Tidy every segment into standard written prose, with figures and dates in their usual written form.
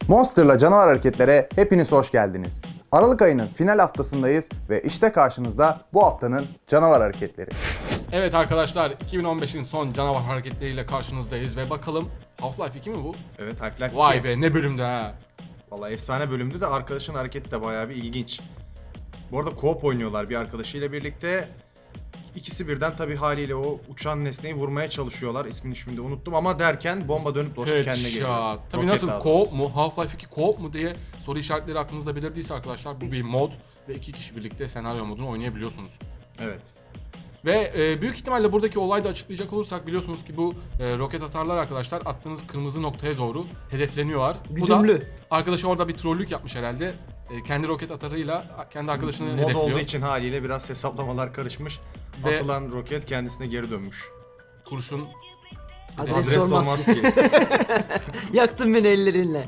Monster'la canavar hareketlere hepiniz hoş geldiniz. Aralık ayının final haftasındayız ve işte karşınızda bu haftanın canavar hareketleri. Evet arkadaşlar, 2015'in son canavar hareketleriyle karşınızdayız ve bakalım Half-Life 2 mi bu? Evet, Half-Life 2. Vay be, ne bölümde ha. Vallahi efsane bölümdü de arkadaşın hareketi de bayağı bir ilginç. Bu arada co-op oynuyorlar bir arkadaşıyla birlikte. İkisi birden tabii haliyle o uçan nesneyi vurmaya çalışıyorlar. İsmini şimdi unuttum ama derken bomba dönüp dolaşıp kendine geliyor. Headshot. Tabii Roket nasıl daha co-op mu? Half-Life 2 co-op mu diye soru işaretleri aklınızda belirdiyse arkadaşlar, bu bir mod ve iki kişi birlikte senaryo modunu oynayabiliyorsunuz. Evet. Ve büyük ihtimalle buradaki olayı da açıklayacak olursak, biliyorsunuz ki bu roket atarlar arkadaşlar attığınız kırmızı noktaya doğru hedefleniyorlar. Bu da Güdümlü. arkadaşı orada bir trollük yapmış herhalde. Kendi roket atarıyla kendi arkadaşını Mod hedefliyor. olduğu için haliyle biraz hesaplamalar karışmış. Ve- Atılan roket kendisine geri dönmüş. Kurşun Adres Adres sormaz. olmaz ki. Yaktın beni ellerinle.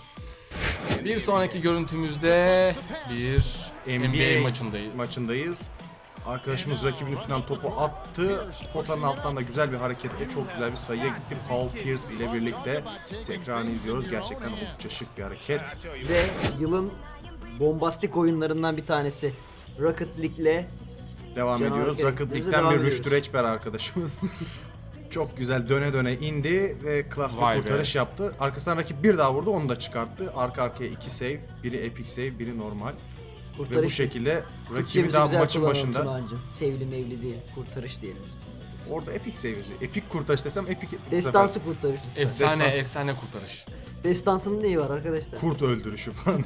Bir sonraki görüntümüzde bir NBA maçındayız. Arkadaşımız rakibin üstünden topu attı. Potanın alttan da güzel bir hareketle çok güzel bir sayıya gitti. Paul Pierce ile birlikte tekrarını izliyoruz. Gerçekten oldukça şık bir hareket. Ve yılın bombastik oyunlarından bir tanesi. Rocket League'le Devam Canavar ediyoruz. Rocket hareketlerimize League'den devam bir ediyoruz. Rüştü Reçber arkadaşımız. Çok güzel döne döne indi ve klas Vay bir be. kurtarış yaptı. Arkasından rakip bir daha vurdu, onu da çıkarttı. Arka arkaya iki save, biri epic save, biri normal. Ve bu kurtarış. şekilde rakibi Türkçemizi daha güzel maçın kullanalım başında. Tunağancığım. Sevli mevli değil, kurtarış diyelim. Orada epic save yazıyor. Epic kurtarış desem epic. bu sefer Destansı kurtarış lütfen. efsane Destan- efsane kurtarış. Destansının neyi var arkadaşlar? Kurt öldürüşü falan.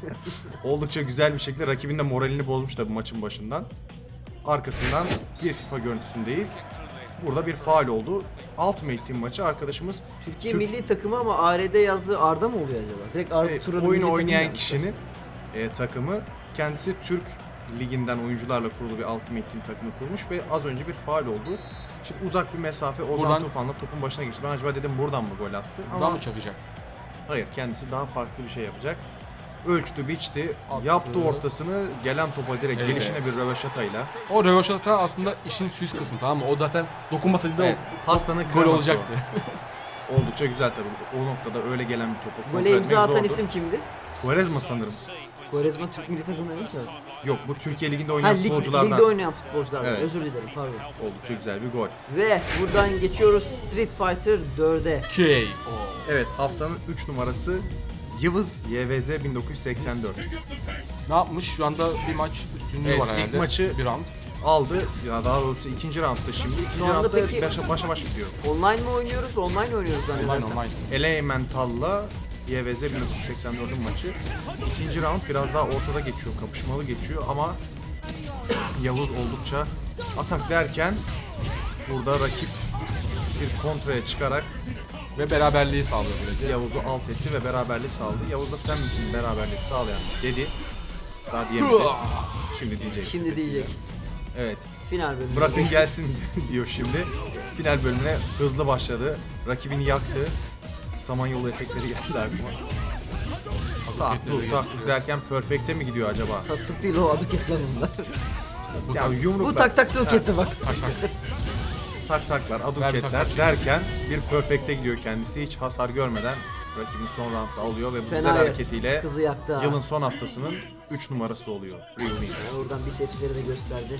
Oldukça güzel bir şekilde rakibin de moralini bozmuş da bu maçın başından. Arkasından bir FIFA görüntüsündeyiz. Burada bir faul oldu. Ultimate Team maçı arkadaşımız Türkiye Türk- milli takımı ama ARD yazdığı Arda mı oluyor acaba? Direkt Arda Turan'ın oyunu milli oynayan takımı kişinin takımı kendisi Türk liginden oyuncularla kurulu bir Ultimate Team takımı kurmuş ve az önce bir faul oldu. Şimdi uzak bir mesafe Ozan Buradan- Tufan'la topun başına geçti. Ben acaba dedim buradan mı gol attı? Buradan Ama mı çakacak? hayır, kendisi daha farklı bir şey yapacak. Ölçtü, biçti, Attı. yaptı ortasını, gelen topa direkt Evet. gelişine bir röveşatayla. O röveşata aslında işin süs kısmı, tamam mı? O zaten dokunmasaydı da Evet, hastanın gol kreması olacaktı. o. Oldukça güzel tabii. O noktada öyle gelen bir topu kontrol Gole etmek imza atan zordur. isim kimdi? Quaresma sanırım. Quaresma Türk milli takımında değil ki. Yok, bu Türkiye Ligi'nde Ha, oynayan futbolculardan. ligde oynayan futbolculardan. Evet. Özür dilerim, pardon. Oldukça güzel bir gol. Ve buradan geçiyoruz Street Fighter 4'e. KO. Evet, haftanın 3 numarası Yıvız YVZ 1984 Ne yapmış? Şu anda bir maç üstünlüğü Evet, var ilk herhalde. maçı- bir round. aldı. Ya daha doğrusu ikinci roundda şimdi. İkinci anda roundda peki- başa baş gidiyor. Online mi oynuyoruz? Online oynuyoruz Online zannedersem. online. Elemental'la YVZ 1984'ün maçı. İkinci round biraz daha ortada geçiyor, kapışmalı geçiyor ama Yavuz oldukça atak derken burada rakip bir kontraya çıkarak Ve beraberliği sağlıyor böylece. Yavuz'u alt etti ve beraberliği sağladı. Yavuz da sen misin beraberliği sağlayan dedi. Daha diyemedi. Şimdi diyecek. Şimdi diyecek. Evet. Final bölümü. Bırakın gelsin diyor şimdi. Final bölümüne hızlı başladı. Rakibini yaktı. Samanyolu efektleri geldi aklıma. Tak derken perfect'e mi gidiyor acaba? Taktık değil o aduketler bunlar. Bu Ya tabii- Bu yumruklar, tak tak duketti bak. Tak tak. taklar, Ver bir tak aduketler tak. derken bir perfect'e gidiyor kendisi. Hiç hasar görmeden rakibini son roundda alıyor ve bu güzel Fena hareketiyle kızı yaktı ha. yılın son haftasının 3 numarası oluyor. Real Win. Oradan bisepsleri de gösterdi.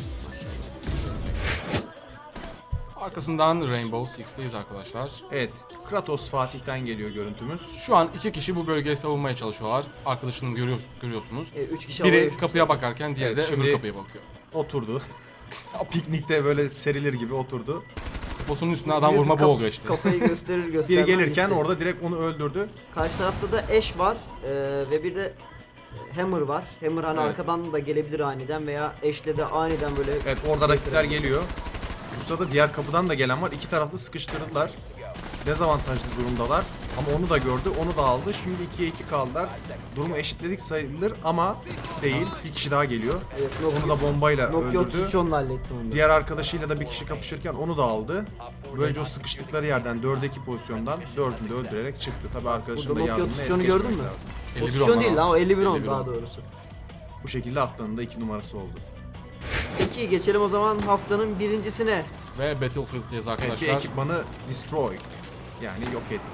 Arkasından Rainbow Six'teyiz arkadaşlar. Evet, Kratos Fatih'ten geliyor görüntümüz. Şu an iki kişi bu bölgeyi savunmaya çalışıyorlar. Arkadaşını görüyorsunuz. 3 kişi Biri havaya kapıya bakarken diğeri Evet, de öbür şimdi- kapıya bakıyor. Oturdu. Piknikte böyle serilir gibi oturdu. Posunun üstüne adam Birisi vurma bu oluyor işte. Kafayı gösterir göstermez. Biri gelirken gitti. orada direkt onu öldürdü. Karşı tarafta da Ash var ve bir de Hammer var. Hammer hani Evet. arkadan da gelebilir aniden veya Ash'le de aniden böyle Evet, orada rakipler geliyor. Bu sırada diğer kapıdan da gelen var. İki taraflı sıkıştırdılar. Dezavantajlı durumdalar. Ama onu da gördü, onu da aldı. Şimdi 2'ye 2 kaldılar. Durumu eşitledik sayılır ama değil. Bir kişi daha geliyor. Evet, Onu da bombayla Nokia öldürdü. 33'onla halletti onu da. Diğer arkadaşıyla da bir kişi kapışırken onu da aldı. Böylece o sıkıştıkları yerden 4'e 2 pozisyondan 4'ünü de öldürerek çıktı. Tabii arkadaşının Burada da Nokia yardımına es 33' onu geçmemek gördün mü? lazım. 51 Pozisyon değil onlar lan o 51 on 51 daha on. doğrusu. Bu şekilde haftanın da 2 numarası oldu. Peki geçelim o zaman haftanın birincisine. Ve Battlefield'deyiz Evet, bir arkadaşlar. ekipmanı destroy. Yani yok etti.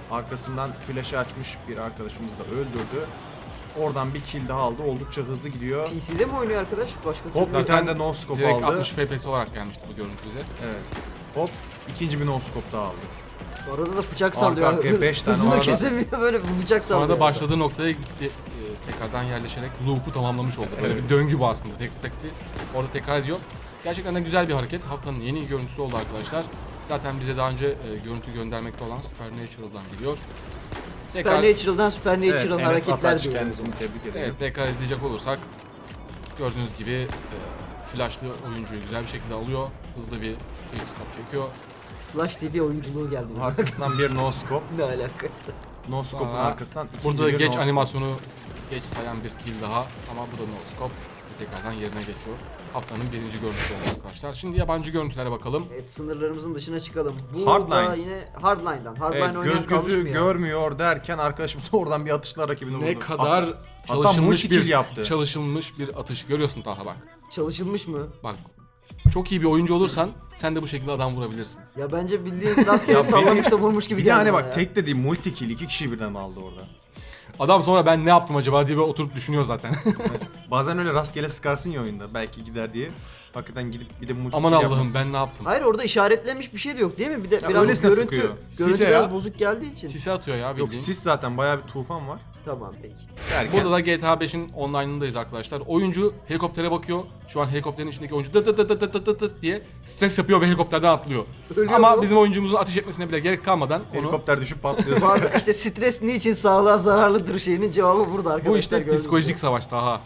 Arkasından flash'ı açmış bir arkadaşımız da öldürdü. Oradan bir kill daha aldı. Oldukça hızlı gidiyor. PC'de mi oynuyor arkadaş? Başka Hop türlü- bir tane de no scope Direkt aldı. 60 FPS olarak gelmişti bu görüntü bize. Evet. Hop ikinci bir no scope daha aldı. Arada da bıçak sallıyor. arkaya 5 tane Hızını arada- kesemiyor böyle bıçak Sonra sallıyor. da başladığı noktaya gitti. Tekrardan yerleşerek loop'u tamamlamış oldu. Böyle bir döngü bu aslında. Tek orada tekrar ediyor. Gerçekten de güzel bir hareket. Haftanın yeni görüntüsü oldu arkadaşlar. Zaten bize daha önce görüntü göndermekte olan Supernatural'dan geliyor. Supernatural'dan Supernatural Enes hareketler Ataç diyor. kendisini tebrik ederim. Evet, tekrar izleyecek olursak gördüğünüz gibi flashlı oyuncuyu güzel bir şekilde alıyor. Hızlı bir scope çekiyor. Flash TV oyunculuğu geldi. buna. Arkasından bir no scope. Ne alakası? No scope'un Sonra arkasından ikinci Burada da bir geç no scope. animasyonu geç sayan bir kill daha ama bu da no scope. Tekrardan yerine geçiyor. Haftanın birinci görüntüsü oldu arkadaşlar. Şimdi yabancı görüntülere bakalım. Evet, sınırlarımızın dışına çıkalım. Bu Hardline. da yine Hardline'dan. Hardline Evet, oynayan göz kalmış gözü mı ya? görmüyor derken arkadaşımız oradan bir atışla rakibini vurdu. Ne kadar Hatta çalışılmış multi-kill bir yaptı. çalışılmış bir atış. Görüyorsun Talha bak. Çalışılmış mı? Bak. Çok iyi bir oyuncu olursan sen de bu şekilde adam vurabilirsin. Ya bence bildiğin rastgele sallamış da vurmuş gibi Bir de geldi hani bana bak ya. tek de değil multi kill 2 kişi birden aldı orada. Adam sonra ben ne yaptım acaba diye böyle oturup düşünüyor zaten. Bazen öyle rastgele sıkarsın ya oyunda belki gider diye. Hakikaten gidip bir de multi Aman kill Allah'ım yapmasın. ben ne yaptım? Hayır orada işaretlenmiş bir şey de yok değil mi? Bir de Ya biraz öylesine görüntü, sıkıyor. görüntü Sise biraz ya. bozuk geldiği için. Sisi atıyor ya bildiğin. Yok sis zaten bayağı bir tufan var. Tamam peki. Derken Burada da GTA 5'in online'ındayız arkadaşlar. Oyuncu helikoptere bakıyor. Şu an helikopterin içindeki oyuncu dıt dıt dıt dıt dıt dıt dıt diye stres yapıyor ve helikopterden atlıyor. Ölüyor Ama mu? bizim oyuncumuzun ateş etmesine bile gerek kalmadan onu helikopter düşüp patlıyor. Bazı işte stres niçin sağlığa zararlıdır şeyinin cevabı burada arkadaşlar. bu işte gördüğünüz psikolojik gibi. savaş daha.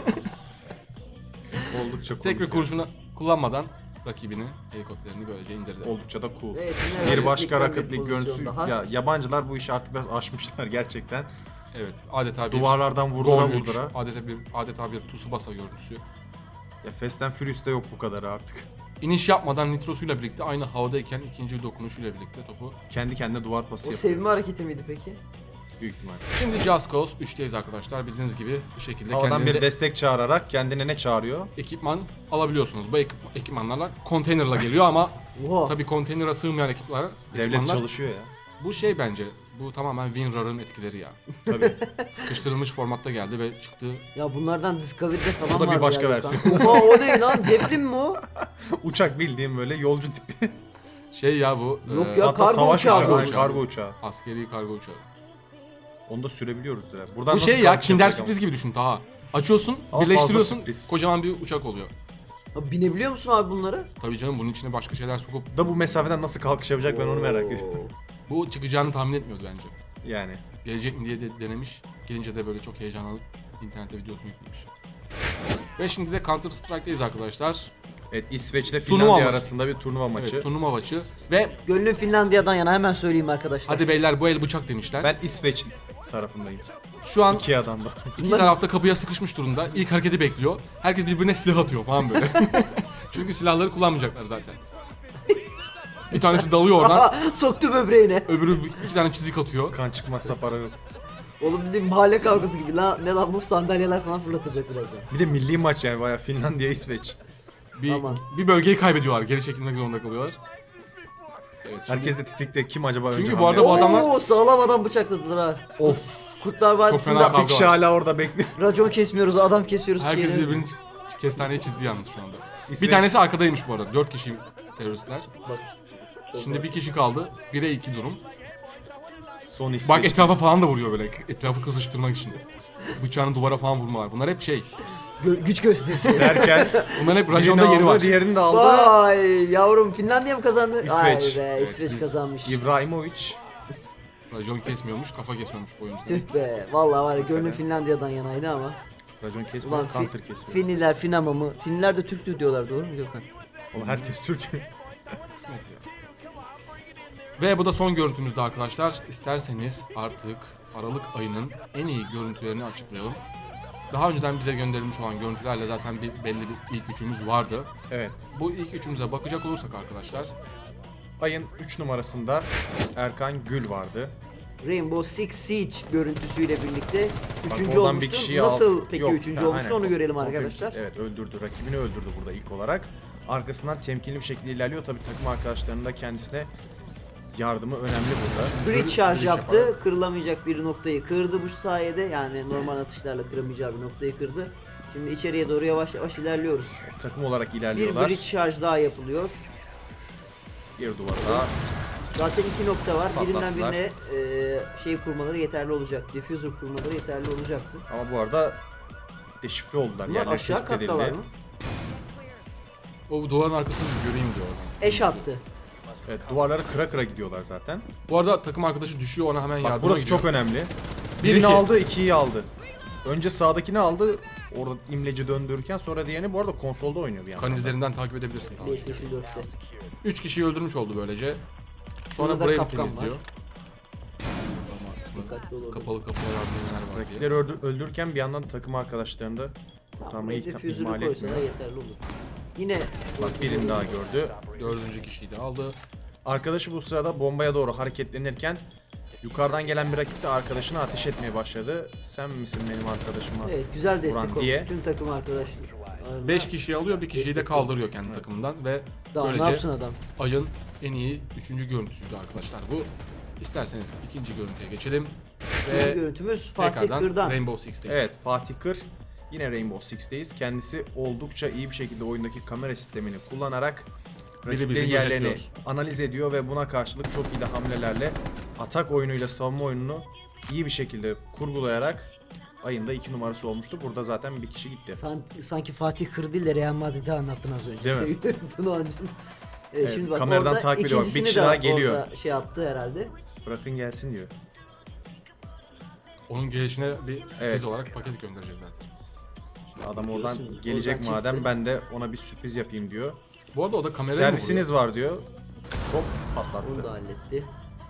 Oldukça cool. Tek bir kurşunu kullanmadan rakibini helikopterini böylece indirdi. Oldukça da cool. Evet, yine Bir başka rakiplikten Rocket bir League görüntüsü. pozisyon daha. Ya yabancılar bu işi artık biraz aşmışlar gerçekten. Evet, adeta bir Duvarlardan vurdura gol üç, vurdura. adeta bir Tsubasa görüntüsü. Ya Fast and Furious'ta yok bu kadar artık. İniş yapmadan nitrosuyla birlikte aynı havadayken ikinci bir dokunuşuyla birlikte topu. Kendi kendine duvar pası O yapıyor. sevme hareketi miydi peki? Büyük ihtimal. Şimdi Just Cause 3'teyiz arkadaşlar. Bildiğiniz gibi bu şekilde Havadan kendinize bir destek çağırarak kendine ne çağırıyor? ekipman alabiliyorsunuz. Bu ekipmanlarla konteynerla geliyor ama Oha. tabii konteynere sığmayan ekipmanlar Devlet çalışıyor ya. Bu şey bence bu tamamen WinRAR'ın etkileri ya. Tabii. Sıkıştırılmış formatta geldi ve çıktı. Ya bunlardan Discovery'de falan Bu da bir vardı başka ya, versiyon. Oha o ne lan? Zeppelin mi o? Uçak bildiğim böyle yolcu tipi. Şey ya bu Yok ya. Hatta kargo savaş uçağı uçağı. bu. Aynen, kargo uçağı. askeri kargo uçağı. Onu da sürebiliyoruz ya. Buradan Bu nasıl şey ya kalkacak Kinder bakalım? sürpriz gibi düşün Taha. Açıyorsun, Ama birleştiriyorsun, fazla sürpriz. kocaman bir uçak oluyor. Ha, binebiliyor musun abi bunlara? Tabii canım bunun içine başka şeyler sokup Da bu mesafeden nasıl kalkış yapacak ben onu merak ediyorum. bu çıkacağını tahmin etmiyordu bence. Yani. Gelecek mi diye de denemiş. Gelince de böyle çok heyecanlanıp internette videosunu yüklemiş. Ve şimdi de Counter Strike'deyiz arkadaşlar. Evet İsveç ile Turnuva Finlandiya maçı. arasında bir turnuva maçı. Evet, turnuva maçı. Ve Gönlüm Finlandiya'dan yana hemen söyleyeyim arkadaşlar. hadi beyler bu el bıçak demişler. Ben İsveç tarafındayım. Şu an İki adam da. iki tarafta kapıya sıkışmış durumda. İlk hareketi bekliyor. Herkes birbirine silah atıyor falan böyle. Çünkü silahları kullanmayacaklar zaten. Bir tanesi dalıyor oradan. Soktu böbreğine. Öbürü iki tane çizik atıyor. Kan çıkmazsa para yok. Oğlum dediğim mahalle kavgası gibi. Ne lan bu sandalyeler falan fırlatacak birazdan. Bir de milli maç yani bayağı Finlandiya İsveç. Aman. Bir bölgeyi kaybediyorlar. Geri çekilmek zorunda kalıyorlar. Evet, şimdi- Herkes de titikte kim acaba Çünkü önce bu arada hamle bu yapar? adamlar- Oo, sağlam adam bıçakladılar ha. Of. Kurtlar fena Vadisi'nde kavga. Bir kişi hala orada bekliyor. racon kesmiyoruz, adam kesiyoruz. Herkes şeyini. birbirini kestaneye çizdi yalnız şu anda. İsveç- Bir tanesi arkadaymış bu arada. 4 kişi teröristler. Bak. Şimdi bir kişi kaldı. 1'e 2 durum. Son İsveç. Bak etrafa falan da vuruyor böyle. Etrafı kızıştırmak için. Bıçağını duvara falan vurmalar. Bunlar hep şey. Güç gösterisi. derken Bunlar hep birini rajonda yeri var. aldı, diğerini de aldı. Vay yavrum, Finlandiya mı kazandı? İsveç. Ay be, Evet, İsveç biz- kazanmış. İbrahimovic. Rajon kesmiyormuş, kafa kesiyormuş bu oyuncular. Tüh be. Vallahi var ya, gönlüm Finlandiya'dan yanaydı ama. Racon kesmiyor, Ulan counter kesiyor. Finliler, Finama mı? Finliler de Türktür diyorlar, doğru mu Gökhan? Oğlum herkes Türk. Kısmet ya. Ve bu da son görüntümüzde arkadaşlar. İsterseniz artık Aralık ayının en iyi görüntülerini açıklayalım. Daha önceden bize gönderilmiş olan görüntülerle zaten belli bir ilk üçümüz vardı. Evet. Bu ilk üçümüze bakacak olursak arkadaşlar. Ayın 3 numarasında Erkan Gül vardı. Rainbow Six Siege görüntüsüyle birlikte Bak, üçüncü oradan bir olmuştu. kişiyi Nasıl al- peki Yok, üçüncü ha, olmuştu aynen. onu görelim Konfirm- arkadaşlar. Evet öldürdü. Rakibini öldürdü burada ilk olarak. Arkasından temkinli bir şekilde ilerliyor. Tabii takım arkadaşlarının da kendisine yardımı önemli burada. Bridge charge Bridge yaptı. yaparak. Kırılamayacak bir noktayı kırdı bu sayede. Yani normal atışlarla kıramayacağı bir noktayı kırdı. Şimdi içeriye doğru yavaş yavaş ilerliyoruz. Takım olarak Bir ilerliyorlar. bridge charge daha yapılıyor. Bir duvar daha. Zaten iki nokta var. Birinden Patlattılar. birine şey kurmaları yeterli olacak. Diffuser kurmaları yeterli olacaktı. Ama bu arada deşifre oldular. Bunlar Yerleri aşağı tespit kattalar edildi. mı? O duvarın arkasını bir göreyim diyor oradan. Eş attı. Evet, duvarları kıra kıra gidiyorlar zaten. Bu arada takım arkadaşı düşüyor, ona hemen Bak yardıma burası gidiyor. çok önemli. Bir, Birini iki. aldı, ikiyi aldı. Önce sağdakini aldı. Orada imleci döndürürken sonra diğerini bu arada konsolda oynuyor bir yandan. Kan izlerinden takip edebilirsin. Tamam. PlayStation 4'te. 3 kişiyi öldürmüş oldu böylece. Sonra Sonra da burayı bir kapkan temizliyor. var. Dikkatli olalım. Kapalı kapılar neler var diye. Rakipleri öldürürken bir yandan takım arkadaşlarını da kurtarmayı Diffuser'ı ihmal koysa etmiyor. da yeterli olur. Yine Bak birini daha gördü. 4. kişiyi de aldı. Arkadaşı bu sırada bombaya doğru hareketlenirken yukarıdan gelen bir rakip de arkadaşına ateş etmeye başladı. Sen misin benim arkadaşıma? evet güzel destek Vuran olmuş. diye. Tüm takım arkadaşlar. 5 kişiyi alıyor, bir kişiyi de kaldırıyor kendi takımından ve Daha ne böylece yapsın adam? ayın en iyi 3. görüntüsüydü arkadaşlar bu. İsterseniz ikinci görüntüye geçelim İkinci ve görüntümüz Fatih tekrardan Kırdan. Rainbow Six'teyiz. Evet, Fatih Kır yine Rainbow Six'teyiz. Kendisi oldukça iyi bir şekilde oyundaki kamera sistemini kullanarak bizi rakiplerin yerlerini gözetliyor. analiz ediyor ve buna karşılık çok iyi de hamlelerle atak oyunuyla savunma oyununu iyi bir şekilde kurgulayarak ayın da 2 numarası olmuştu. Burada zaten bir kişi gitti. Sanki Fatih Kır değil de Real Madrid'i anlattın az önce. Değil mi? Tunancığım. Evet, Evet, şimdi bak kameradan orada takip ediyor. Bak, bir ikincisini kişi de daha geliyor. orada şey yaptı herhalde. Bırakın gelsin diyor. Onun gelişine bir sürpriz Evet. olarak paket göndereceğiz zaten. Adam oradan Biliyorsun, gelecek oradan madem çıktı. ben de ona bir sürpriz yapayım diyor. Bu arada o da kamerayı mı Servisiniz vuruyor? var diyor. Hop Onu da patlattı. halletti.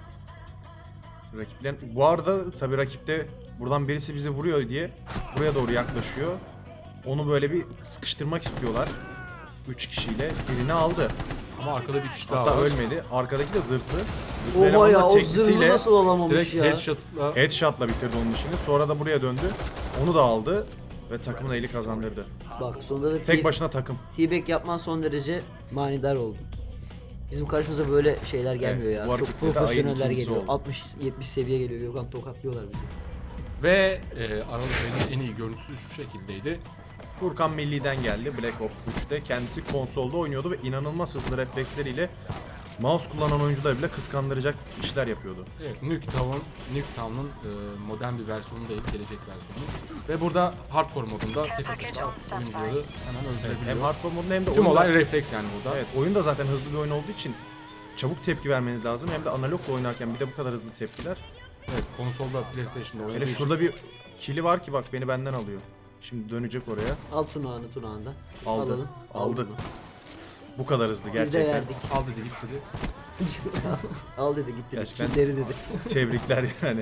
Rakiplerin bu arada tabii rakipte buradan birisi bizi vuruyor diye buraya doğru yaklaşıyor. Onu böyle bir sıkıştırmak istiyorlar. 3 kişiyle birini aldı. Ama arkada bir kişi daha Hatta var. ölmedi. Arkadaki de zırhlı. Zırhlı Oha eleman ya da o zırhlı teknisiyle nasıl olamamış Direkt ya. headshot'la headshot'la bitirdi onun işini. Sonra da buraya döndü. Onu da aldı ve takımın eli kazandırdı. Bak sonunda da Tek başına takım. T-back yapman son derece manidar oldu. Bizim karşımıza böyle şeyler gelmiyor Evet, bu ya. Çok hareketle de ayın profesyoneller ikincisi geliyor. oldu. 60-70 seviye geliyor. Gökhan tokatlıyorlar bizi. ve Aralık ayının en iyi görüntüsü şu şekildeydi. Furkan Milli'den geldi Black Ops 3'te. Kendisi konsolda oynuyordu ve inanılmaz hızlı refleksleriyle mouse kullanan oyuncular bile kıskandıracak işler yapıyordu. Evet, Nuketown'un modern bir versiyonu değil, gelecek versiyonu. Ve burada hardcore modunda tek atışla oyuncuları hemen öldürebiliyor. Hem hardcore modunda hem de Tüm oyunda, olay refleks yani burada. evet, oyun da zaten hızlı bir oyun olduğu için çabuk tepki vermeniz lazım. Hem de analogla oynarken bir de bu kadar hızlı tepkiler. Evet, konsolda, PlayStation'da oynadığı Hele için şurada bir kili var ki bak beni benden alıyor. Şimdi dönecek oraya. Al tunağını. Aldı. Alalım. Aldı. bunu. Bu kadar hızlı Biz de gerçekten. verdik. al dedi git dedi. Al dedi gitti dedi. Gerçekten. Killeri dedi. Tebrikler yani.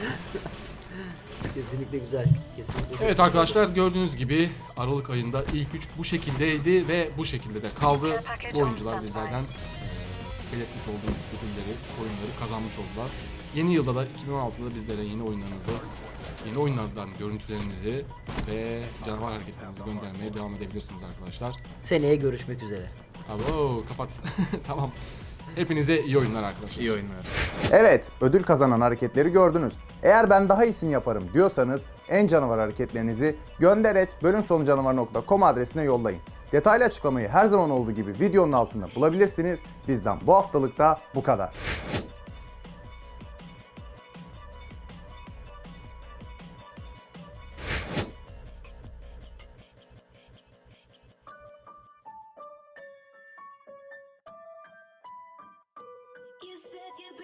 Kesinlikle güzel. Kesinlikle Evet arkadaşlar, gördüğünüz gibi Aralık ayında ilk 3 bu şekildeydi ve bu şekilde de kaldı. Bu oyuncular bizlerden belirtmiş olduğumuz ödülleri, oyunları kazanmış oldular. Yeni yılda da 2016'da bizlere yeni oyunlarınızı, yeni oyunlardan görüntülerinizi ve canavar hareketlerinizi göndermeye devam edebilirsiniz arkadaşlar. Seneye görüşmek üzere. Abo kapat. Tamam. Hepinize iyi oyunlar arkadaşlar. İyi oyunlar. Evet, ödül kazanan hareketleri gördünüz. Eğer ben daha iyisini yaparım diyorsanız en canavar hareketlerinizi gönder@bölümsonucanavar.com adresine yollayın. Detaylı açıklamayı her zaman olduğu gibi videonun altında bulabilirsiniz. Bizden bu haftalıkta bu kadar.